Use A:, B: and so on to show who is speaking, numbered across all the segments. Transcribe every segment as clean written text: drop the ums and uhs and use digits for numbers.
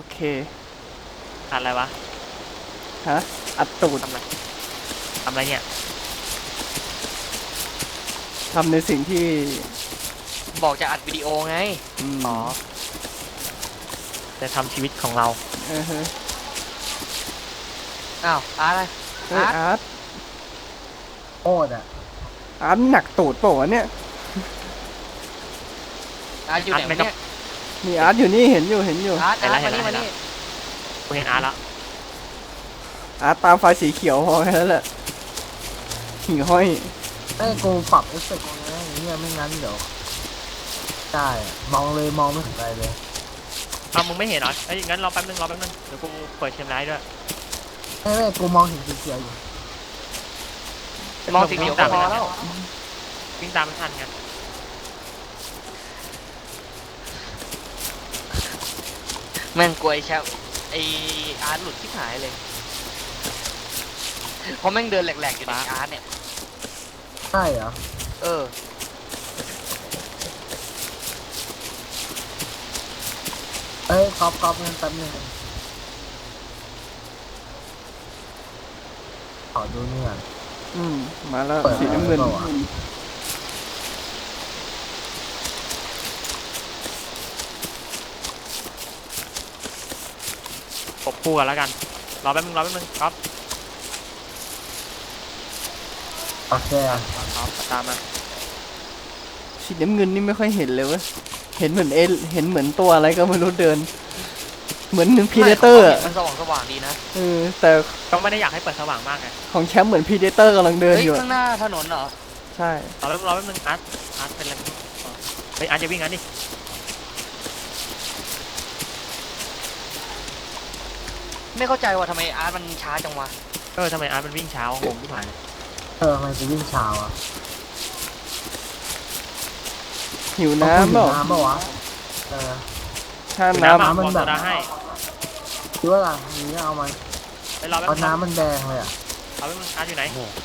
A: เค
B: อัดอะไรวะ
A: ฮะอัดตูด
B: ทำอะไรเนี่ย
A: ทำในสิ่งที่
B: บอกจะอัดวิดีโอไงอ๋อจะทำชีวิตของเรา
A: ฮะ
B: อ้าวอะไร
A: อาร์ต
C: โอ้อ่ะ
A: อาร์ตหนักตูดเปล่าวะเนี่ย
B: อาร์ตอยู่ไหนเนี่ย
A: มีอาร์ตอยู่นี่เห็นอยู่
B: อาร์ตมานี่กูเห็นอาร์ตแล้ว
A: อาร์ตตามไฟสีเขียวพอแค่นั้นแหละหิ่งห้อย
C: กูปรับเอฟเฟกต์ไงเนี่ยไม่งั้นเดี๋ยวได้มองเลยมองไม่ถึงอะไรเลย
B: มึงไม่เห็นเหรอไอ้งั้นรอแป๊บนึงเดี๋ยวกูเปิดเชมไลท์ด้วย
C: ไม่กูมองเห็นสีเขียวอยู่
B: มองสีเขียวพอแล้ววิ่งตามไม่ทันไงแม่งกลัวไอ้แชมป์ไอ้อาร์ตหลุดชิบหายเลยเพราะแม่งเดินแหลกๆอยู่ในอาร์ตเนี่ย
C: ใช่เหรอก๊อปเงินแป๊บนึงขอดูนี่ก่อน
A: มาแล้วสีน้ำเงิน
B: ปบคู่กันแล้วกันรอแป๊บนึงครับ
C: โอเค
B: ครับตามมา
A: สีน้ำเงินนี่ไม่ค่อยเห็นเลยเว้ยเห็นเหมือนเห็นเหมือนตัวอะไรก็ไม่รู้เดินเหมือนหนึ่งพีเดเตอร์
B: มันสว่างดีนะ
A: แต่
B: ก็ไม่ได้อยากให้เปิดสว่างมากไง
A: ของแชมป์เหมือนพีเดเตอร์กำลังเดินอยู่
B: ข้างหน้าถนนเหรอ
A: ใช่
B: รอแป๊บนึงอาร์ตเป็นอะไรเฮ้ยอาร์ตจะวิ่งงั้นดิไม่เข้าใจว่าทำไมอาร์ตมันช้าจังวะทำไมอาร์ตมันวิ่งช้างงที่ผ่าน
C: ทำไมจะวิ่งช้าอ่ะ
A: หิวน้ำเปล่
C: าวะ
A: ถ้า
B: น้
A: ำ
B: มันแบบ
C: คิดว่าอะไรนี้เอาไหมเอาน้ำมันแดงเลยอ่ะ
B: เอาไปมึงอาร์ตอยู่ไหน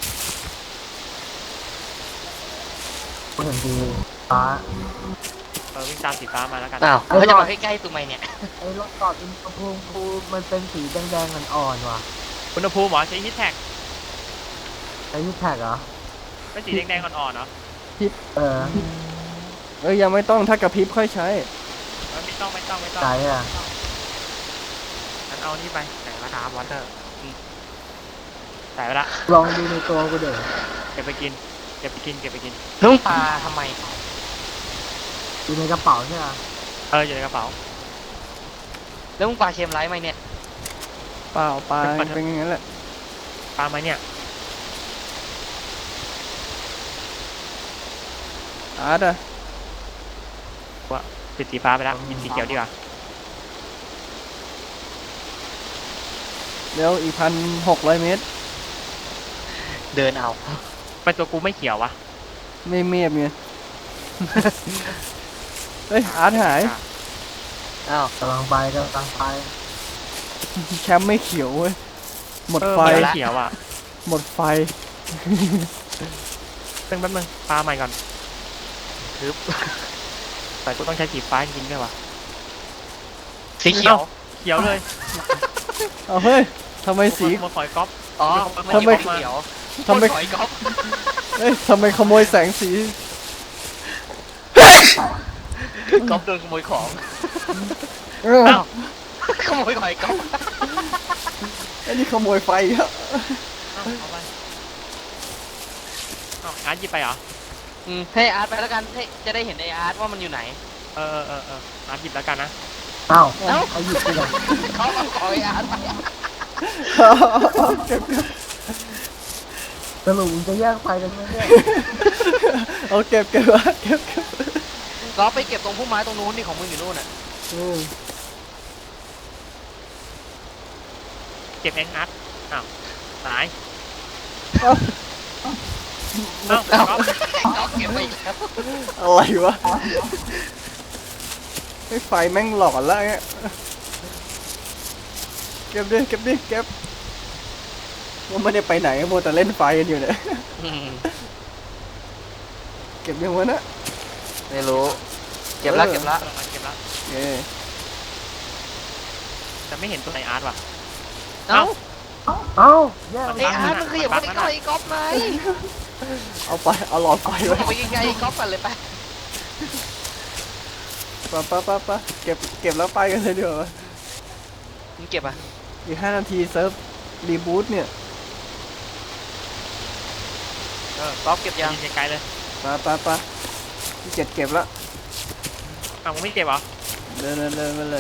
C: กูเห็นดีฟ้า
B: วิ่งตามสีฟ้ามาแล้วกันอ้าวเขาจะมาใกล้ๆตัวไหมเนี่ย
C: ไอ้รถจอดอุณหภูมิกูมันเป็นสีแดงๆอ่อนๆว่ะ
B: อุณหภูมิหรอใช้ฮิตแท็ก
C: ใช้ฮิตแท็กเหรอ
B: เป็นสีแดงๆอ่อนๆเนาะ
A: พิบยังไม่ต้องถ้ากระพริบค่อยใช้
B: ไม่ต้อง
C: ใช่อ่ะ
B: งั้นเอานี่ไปแต่ละครับวอเตอร์ใส่ไปละ
C: ลองดูในตัวกูเดี๋ยว
B: เก็บไปกินลุงปลาทำไม
C: อยู่ในกระเป๋าใช่ไหม
B: อยู่ในกระเป๋าแล้วมึงปลาเค็มไรไหมเนี่ย
A: เปล่าปลาเป็นอย่างนั้นแหละ
B: ปลาไหมเนี่ย
A: อาร์ต
B: ว่าปิดสีฟ้าไปแล้วยินสีเขียวดีกว่า
A: เดี๋ยวอีก1,600 เมตร
B: เดินเอาไปตัวกูไม่เขียววะ
A: ไม่เมียบไงเฮ้ยอาร์ตหาย
C: กำลังไป
A: แชมป์ไม่เขียวเว้ยหมดไฟ
B: เขียวอ่ะ
A: หมดไฟ
B: แป๊บนึงปลาใหม่ก่อนคือแต่กูต้องใช้สีฟ้าจริงด้วยวะสีเขียวเลย
A: เอาเฮ้ยทำไมสี
B: มาคอยก๊อป
A: ทำไม
B: เขียว
A: ทำไมก๊อปเฮ้ยทำไมขโมยแสงสี
B: ก๊อปโดนขโมยของขโมยหอยก๊อป
A: ไอ้นี่ขโมยไฟครับ
B: เอาไปอาร์ตหยิบไปเหรอให้อาร์ตไปแล้วกันให้จะได้เห็นไออาร์ตว่ามันอยู่ไหนอาร์ตหยิบแล้วกันนะ
C: เอาหยิบไปเลย
B: เขาเอาของไออาร์ตไป
C: สรุปจะแยกไฟกันไหมเนี่ย
A: เอาเก็บ
B: เราไปเก็บตรงพุ่มไม้ตรงนู้นนี่ของมึงอยู่นู่นน่ะเก็บเองอาร์ตหายเก็บไปอีกแล้ว
A: อะไรวะไฟแม่งหลอนแล้วเงี้ยเก็บว่าไม่ได้ไปไหนโมแต่เล่นไฟกันอยู่เนี่ยเก็บยังวะนะ
B: ไม่รู้เก็บละ
A: โอเค
B: แต่ไม่เห็นตัวไหนอาร์ตว่ะ
D: เอ้า
C: เอ้าแย่
D: ไอ้อาร์ตมันขยับไปใกล้ไอ้ก๊อฟไหม
A: เอาไปเอาหลอดไฟไว้
D: ไปไกลๆไอ้ก๊อฟกันเลยไป
A: ไปเก็บแล้วไปกันเลยดีกว่า
D: มึงเก็บอ่ะ
A: อีก5 นาทีเซิร์ฟรีบูตเนี่ย
D: ก๊อฟเก็บยัง
B: ยิงไกลๆเลย
A: ไปที่เก็บแล้ว
B: อ้าวมึงไม่เก็บเหรอ
A: เดินไปเลย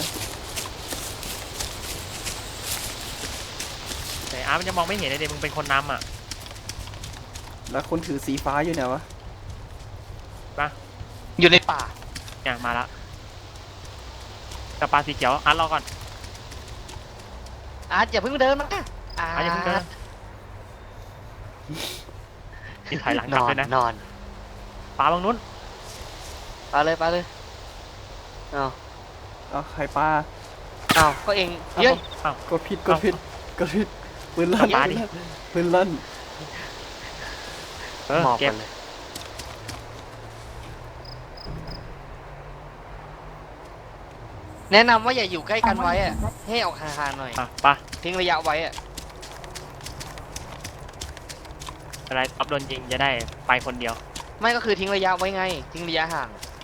B: แต่อาร์ตมันจะมองไม่เห็นเลยเดี๋ยวมึงเป็นคนนำอ่ะ
A: แล้วคนถือสีฟ้าอยู่ไหนวะ
D: อยู่ในป่า
B: เนี่ยมาละกับปลาสีเขียวอาร์ตรอก่อน
D: อาร์ตอย่าเพิ่งเดินมาอาร์
B: อาร์ตอย่าเพิ่งเดิน
D: ต
B: กินถอยหลังกลับเลยนะ
D: นอน
B: ปลาบางนู้น
D: ไปเลยอ้าว
A: เอาไข่ปลา
D: ก็เองเย้ย
A: กดผิดปืนลั่น
B: ปลาดิ
A: ปืนลั่น
D: หมอบ
B: เก็
D: กับ นเลยแนะนำว่าอย่าอยู่ใกล้กันไว้อะให้ออกห่างๆหน่อย
B: อ่ะปลา
D: ทิ้งระยะไว้อะ
B: อะไรอัพโดนยิงจะได้ไปคนเดียว
D: ไม่ก็คือทิ้งระยะไว้ไง ทิ้งระยะห่าง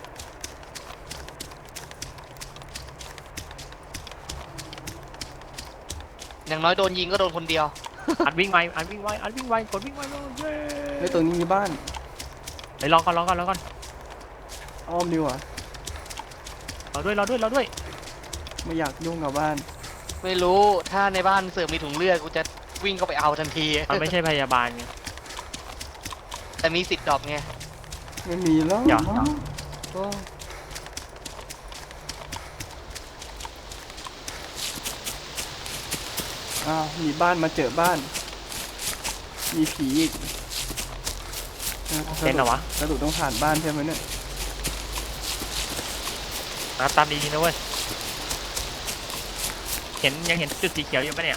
D: อย่างน้อยโดนยิงก็โดนคนเดียว
B: อัดวิ่งไวกดวิ่งไวเลยเย้
A: เฮ้ยตรงนี้มีบ้าน
B: เฮ้ยลองก่อน
A: อ้อมดีกว่า
B: รอด้วย
A: ไม่อยากยุ่งกับบ้าน
D: ไม่รู้ถ้าในบ้านเสือมีถุงเลือดกูจะวิ่งเข้าไปเอาทันที
B: มันไม่ใช่พยาบาลไง
D: แต่มีสิทธิ์ดรอปไง
A: ไม่มีแล้ว
B: เดี๋ยว
D: โอ้
A: อ้าวมีบ้านมาเจอบ้าน มีผีอีก
B: เป็นเหรอวะ
A: กระดูกต้องผ่านบ้านใช่ไหมเนี่ย
B: อาร์ตตามดีๆนะเว้ยยังเห็นจุดสีเขียวอยู่ปะเนี่ย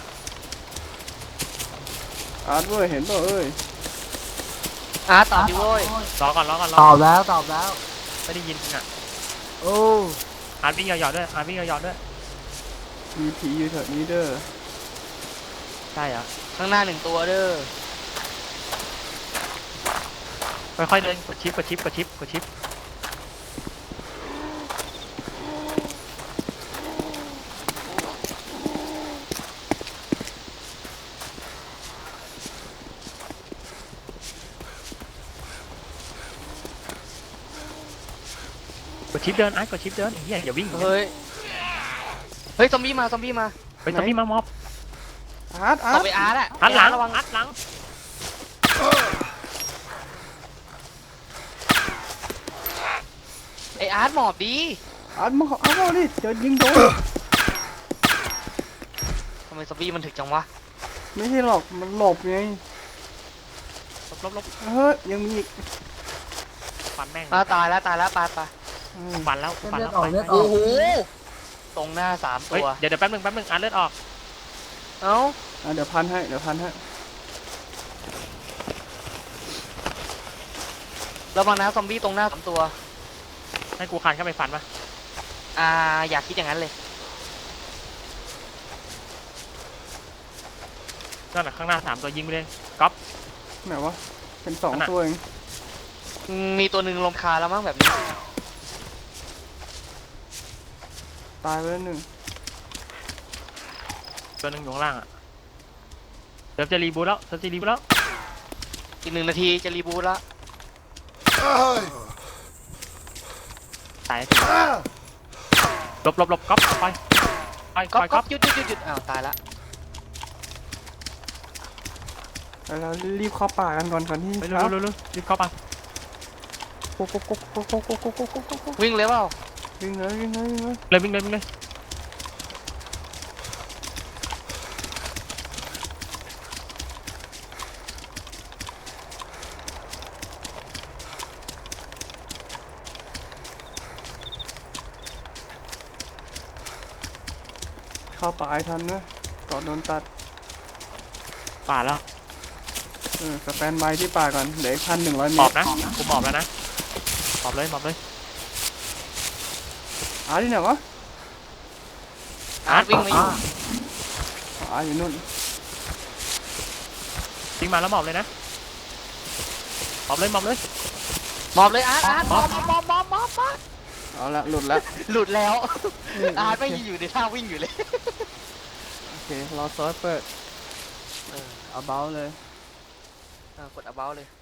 A: อาร์ตเว้ยเห็นป่ะเอ้ย
D: อาร์ตตอบดิโว้ย
B: รอก่อน
C: ตอบแล้ว
B: ไม่ได้ยินอ่ะ
C: โอ้
B: อาร์ตวิ่งหยอดๆด้วย
A: มีผีอยู่แถวนี้เด้อ
B: ใช่เหรอ
D: ข้างหน้า1 ตัวเด้อ
B: ค่อยๆเดินกดชิปเดินกดชิปเดินเฮียอย่าวิ่ง
D: เฮ้ยซอมบี้มา
B: ไปซอมบี้มามอบ
A: อาร์ต
D: ต่อไปอาร์ตอะ
B: อัดหลัง
D: ระวัง
B: อัดหลัง
D: ไออาร์ตหมอบดี
A: อาร์ตมาเอาดิเดี๋ยวยิงโดน
D: ทำไมซอมบี้มันถึกจังวะ
A: ไม่ใช่หรอกมันหลบไง
B: ลบ
A: เฮ้ยยังมีอีก
B: ฟันแม่ง
D: ตายแล้วไป
B: ฟันแล้ว
C: เลือดออกเลือดอ
D: โอ้
C: อก
D: โหตรงหน้า3
B: เฮ้ย
D: ตัว
B: เดี๋ยวแป๊บนึงอ่านเลือดออก
D: เอ้า
A: เดี๋ยวพันให้
D: ระวังนะซอมบี้ตรงหน้า3 ตัว
B: ให้กูคานเข้าไปฟันปะ
D: อยากคิดอย่างนั้นเลย
B: นั่นแหละข้างหน้า3 ตัวยิงไปเลยก๊อป
A: ไหนวะเป็น2
B: นั่นน่ะ
A: ตัวเอง
D: มีตัวหนึ่งลมคาแล้วมั้งแบบนี้
A: ตายไปแล้ว 1
B: ตัวหนึงอยู่ข้างล่างอ่ะเดี๋ยวจะรีบูทแล้ว
D: อีก1 นาทีจะรีบูทแล้ว
B: ตายหลบก๊อปไป
D: ก๊อฟ
B: ก๊อป
D: หยุดอ้าวตายละ
A: เรารีบเข้าป่ากันก่อนที่
B: ไปเร็วรีบเข้าไป
A: โก
D: วิ่งเลยเปล่า
A: วิ่งเลย
B: วิ่งเลย
A: เข้าป่าให้ทันนะก่อนโดนตัด
B: ป่าแล้ว
A: สแตนบายที่ป่าก่อนเหลืออีก1,100 เม
B: หมอ
A: ต
B: บ
A: ร
B: นะกูหมอบแล้วนะหมอบเลย
A: อาร์ตที่ไหนวะ
D: อาร์ตวิ่งมาอยู่
A: อยู่นู่น
B: วิ่งมาแล้วหมอบเลยนะหมอบเลยหมอบเลย
D: หมอบเลยอาร์ตหมอบ
A: เอาละหลุดละ
D: หลุดแล้วอาร์ตไม่อยู่ในท่าวิ่งอยู่เลย
A: โอเครอซอสเปิดเอาเบาเลย
D: กดเอาเบาเลย